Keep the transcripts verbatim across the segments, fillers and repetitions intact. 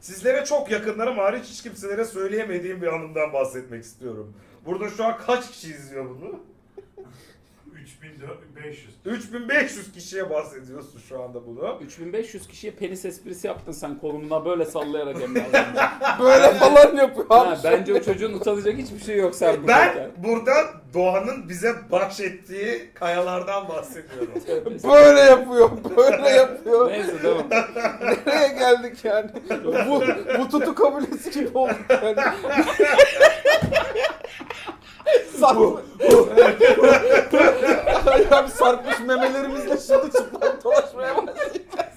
Sizlere çok yakınlarım hariç hiç kimselere söyleyemediğim bir anımdan bahsetmek istiyorum. Burada şu an kaç kişi izliyor bunu? üç bin beş yüz. üç bin beş yüz kişiye bahsediyorsun şu anda bunu. üç bin beş yüz kişiye penis esprisi yaptın sen kolumda böyle sallayarak Emre az önce. Böyle falan yapıyor abi. Ha, bence o çocuğun utanacak hiçbir şey yok sen Ben buradayken. burada doğanın bize bahşettiği kayalardan bahsediyorum. Böyle yapıyor, böyle yapıyor. Neyse tamam. Nereye geldik yani? Bu, bu tutu kabilesi gibi olduk yani. Sarkmış. Abi sarkmış memelerimizle şimdi çıplak dolaşmaya başlayacağız.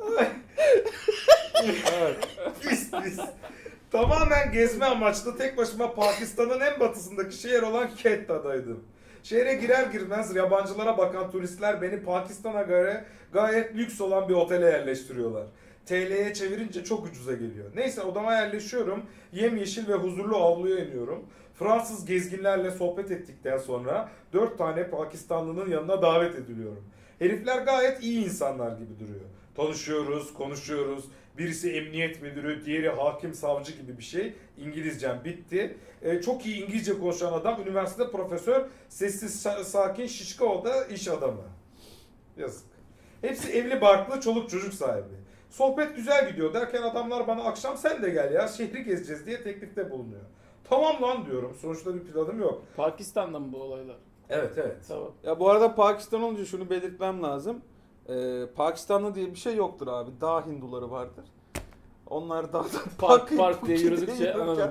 Pis pis. Tamamen gezme amaçlı tek başıma Pakistan'ın en batısındaki şehir olan Ketta'daydım. Şehre girer girmez yabancılara bakan turistler beni Pakistan'a göre gayet lüks olan bir otele yerleştiriyorlar. T L'ye çevirince çok ucuza geliyor. Neyse odama yerleşiyorum. Yemyeşil ve huzurlu avluya iniyorum. Fransız gezginlerle sohbet ettikten sonra dört tane Pakistanlının yanına davet ediliyorum. Herifler gayet iyi insanlar gibi duruyor. Tanışıyoruz, konuşuyoruz. Birisi emniyet müdürü, diğeri hakim savcı gibi bir şey. İngilizcem bitti. Ee, çok iyi İngilizce konuşan adam, üniversitede profesör, sessiz, sakin, şişko o da iş adamı. Yazık. Hepsi evli barklı, çoluk çocuk sahibi. Sohbet güzel gidiyor derken adamlar bana akşam sen de gel ya şehri gezeceğiz diye teklifte bulunuyor. Tamam lan diyorum. Sonuçta bir planım yok. Pakistan'da mı bu olaylar? Evet evet. Tamam. Ya bu arada Pakistan olunca şunu belirtmem lazım. Ee, Pakistanlı diye bir şey yoktur abi. Dağ Hinduları vardır. Onlar dağda Park park diye yürüdükçe anladım.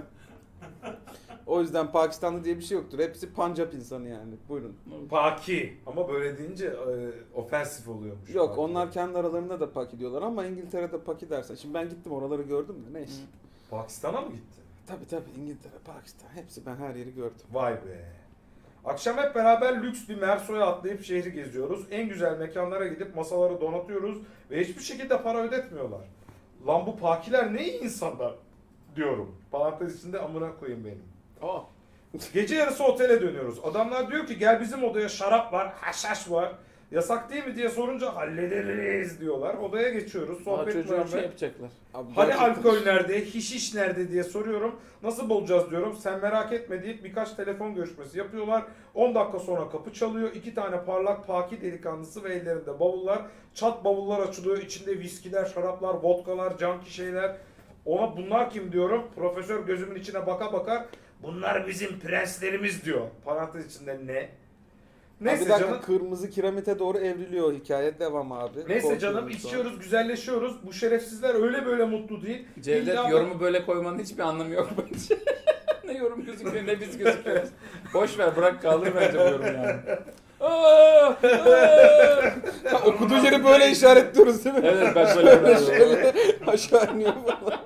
O yüzden Pakistanlı diye bir şey yoktur. Hepsi Pancap insanı yani. Buyurun. Paki. Ama böyle deyince e, ofensif oluyormuş. Yok Paki. onlar kendi aralarında da Paki diyorlar ama İngiltere'de Paki dersen. Şimdi ben gittim oraları gördüm de neyse. Pakistan'a mı gitti? Tabii tabii İngiltere, Pakistan hepsi ben her yeri gördüm. Vay be. Akşam hep beraber lüks bir Merso'ya atlayıp şehri geziyoruz. En güzel mekanlara gidip masaları donatıyoruz ve hiçbir şekilde para ödetmiyorlar. Lan bu Pakiler ne iyi insanlar diyorum. Parantez içinde amına koyayım benim. Aa. Gece yarısı otele dönüyoruz. Adamlar diyor ki gel bizim odaya şarap var, haşhaş var. Yasak değil mi diye sorunca hallederiz diyorlar. Odaya geçiyoruz. Daha Sohbet çocuğa muhabbet. şey yapacaklar. Abi Hani gerçekten- alkol nerede, hişiş nerede diye soruyorum. Nasıl bulacağız diyorum. Sen merak etme deyip birkaç telefon görüşmesi yapıyorlar. on dakika sonra kapı çalıyor. İki tane parlak paki delikanlısı ve ellerinde bavullar. Çat bavullar açılıyor. İçinde viskiler, şaraplar, vodkalar, canki şeyler. Ona bunlar kim diyorum. Profesör gözümün içine baka bakar. Bunlar bizim prenslerimiz diyor. Parantez içinde ne? Abi Neyse bir dakika, canım. kırmızı kiremite doğru evriliyor hikaye devam abi. Neyse Korkuyorum canım sonra. içiyoruz, güzelleşiyoruz. Bu şerefsizler öyle böyle mutlu değil. Cevdet İlla- yorumu böyle koymanın hiçbir anlamı yok bence. Ne yorum gözüküyor ne biz gözüküyoruz. Boş ver bırak kaldır bence bu yorumu yani. Aa, aa. Ha, okuduğu yeri böyle işaretliyoruz değil mi? Evet ben böyle yapıyorum. Şöyle aşağı iniyor falan.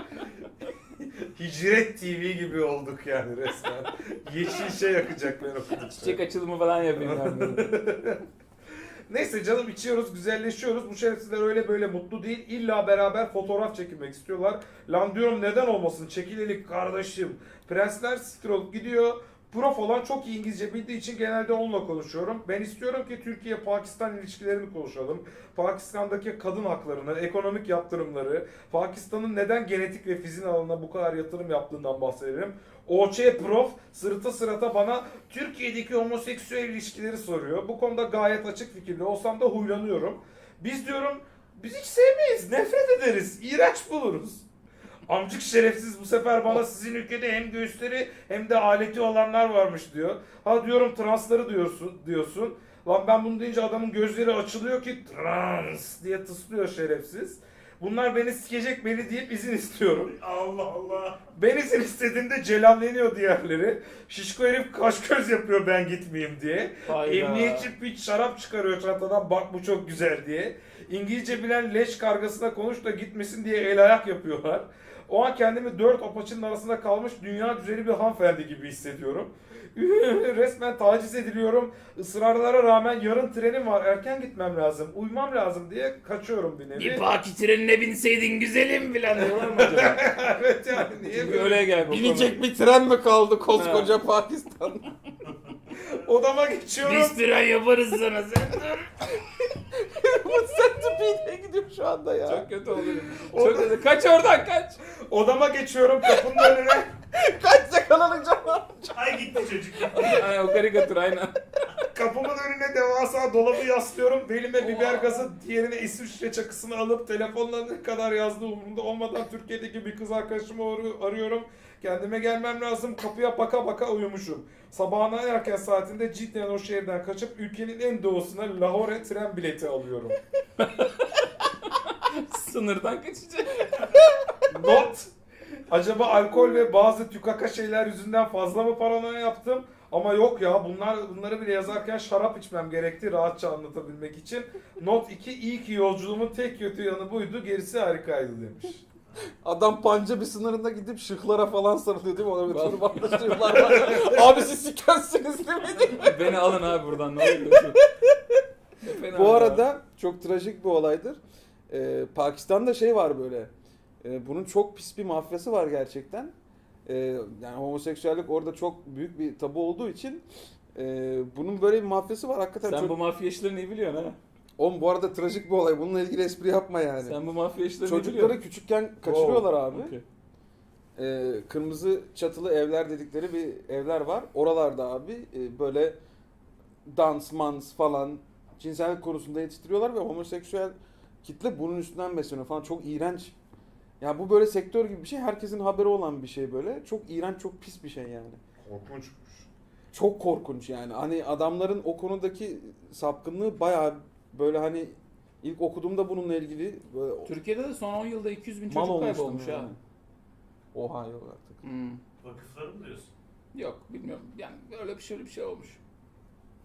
Hicret T V gibi olduk yani resmen. Yeşil şey yakacak ben okudukça. Çiçek açılımı falan yapayım ben böyle. Neyse canım içiyoruz, güzelleşiyoruz. Bu şerefsizler öyle böyle mutlu değil. İlla beraber fotoğraf çekilmek istiyorlar. Lan diyorum neden olmasın? Çekilelik kardeşim. Prensler siktir olup gidiyor. Prof olan çok iyi İngilizce bildiği için genelde onunla konuşuyorum. Ben istiyorum ki Türkiye-Pakistan ilişkilerini konuşalım. Pakistan'daki kadın haklarını, ekonomik yaptırımları, Pakistan'ın neden genetik ve fizik alanına bu kadar yatırım yaptığından bahsedelim. O Ç Prof sırıta sırata bana Türkiye'deki homoseksüel ilişkileri soruyor. Bu konuda gayet açık fikirli olsam da huylanıyorum. Biz diyorum, biz hiç sevmeyiz, nefret ederiz, iğrenç buluruz. Amcık şerefsiz bu sefer bana sizin ülkede hem göğüsleri hem de aleti olanlar varmış diyor. Ha diyorum transları diyorsun diyorsun. Lan ben bunu deyince adamın gözleri açılıyor ki trans diye tıslıyor şerefsiz. Bunlar beni sikecek beni deyip izin istiyorum. Allah Allah. Ben izin istediğimde celalleniyor diğerleri. Şişko herif kaş göz yapıyor ben gitmeyeyim diye. Hayda. Emniyetçi piç şarap çıkarıyor çantadan bak bu çok güzel diye. İngilizce bilen leş kargasına konuş da gitmesin diye el ayak yapıyorlar. O an kendimi dört apaçının arasında kalmış dünya güzeli bir hanımefendi gibi hissediyorum. Resmen taciz ediliyorum. Israrlara rağmen yarın trenim var erken gitmem lazım. Uyumam lazım diye kaçıyorum bir nevi. Bir paki trenine binseydin güzelim filan diyorlar mı acaba? Evet yani niye Çünkü böyle? öyle gel. Binecek bir tren mi kaldı koskoca Pakistan? Odama geçiyorum. Biz tren yaparız sana sen dur. Adamın centipede gidiyor şu anda ya. Çok kötü oluyor. Çok kötü. Kaç oradan kaç. Odama geçiyorum kapının önüne. Kaç yakalanacağım. Ay gitti çocuk. Ay, o karikatür aynen. Kapımın önüne devasa dolabı yaslıyorum. Belime biber gazı, diğerine İsviçre çakısını alıp telefonla ne kadar yazdığı umurumda olmadan Türkiye'deki bir kız arkadaşımı arı- arıyorum. Kendime gelmem lazım. Kapıya baka baka uyumuşum. Sabahın en erken saatinde cidden o şehirden kaçıp ülkenin en doğusuna Lahore tren bileti alıyorum. Sınırdan kaçacak. Not. Acaba alkol ve bazı tükaka şeyler yüzünden fazla mı paranoya yaptım? Ama yok ya, bunlar bunları bile yazarken şarap içmem gerekti rahatça anlatabilmek için. Not iki, iyi ki yolculuğumun tek kötü yanı buydu, gerisi harikaydı demiş. Adam Pancabi sınırında gidip şıklara falan sarılıyor değil mi? Ona bir turbanla şıklar var. Abi siz sikensiniz değil mi? Beni alın abi buradan ne oluyorsun? Ne fena Bu ya. arada çok trajik bir olaydır. Ee, Pakistan'da şey var böyle. Ee, bunun çok pis bir mafyası var gerçekten. Ee, yani homoseksüellik orada çok büyük bir tabu olduğu için e, bunun böyle bir mafyası var hakikaten. Sen çok... bu mafya işlerini iyi biliyorsun ha. Oğlum bu arada trajik bir olay. Bununla ilgili espri yapma yani. Sen bu mafya işlerini iyi Çocukları biliyorsun. küçükken kaçırıyorlar abi. Okey. Ee, kırmızı çatılı evler dedikleri bir evler var. Oralarda abi e, böyle dans, mans falan cinsellik konusunda yetiştiriyorlar ve homoseksüel kitle bunun üstünden besleniyor falan. Çok iğrenç. Ya bu böyle sektör gibi bir şey. Herkesin haberi olan bir şey böyle. Çok iğrenç, çok pis bir şey yani. Korkunçmuş. Çok korkunç yani. Hani adamların o konudaki sapkınlığı bayağı böyle hani ilk okuduğumda bununla ilgili böyle Türkiye'de de son on yılda iki yüz bin mal çocuk olmuştum kaybolmuş yani. ha. Oha yok artık. Hmm. Vakıfları mı diyorsun? Yok bilmiyorum. Yani öyle bir şey öyle bir şey olmuş.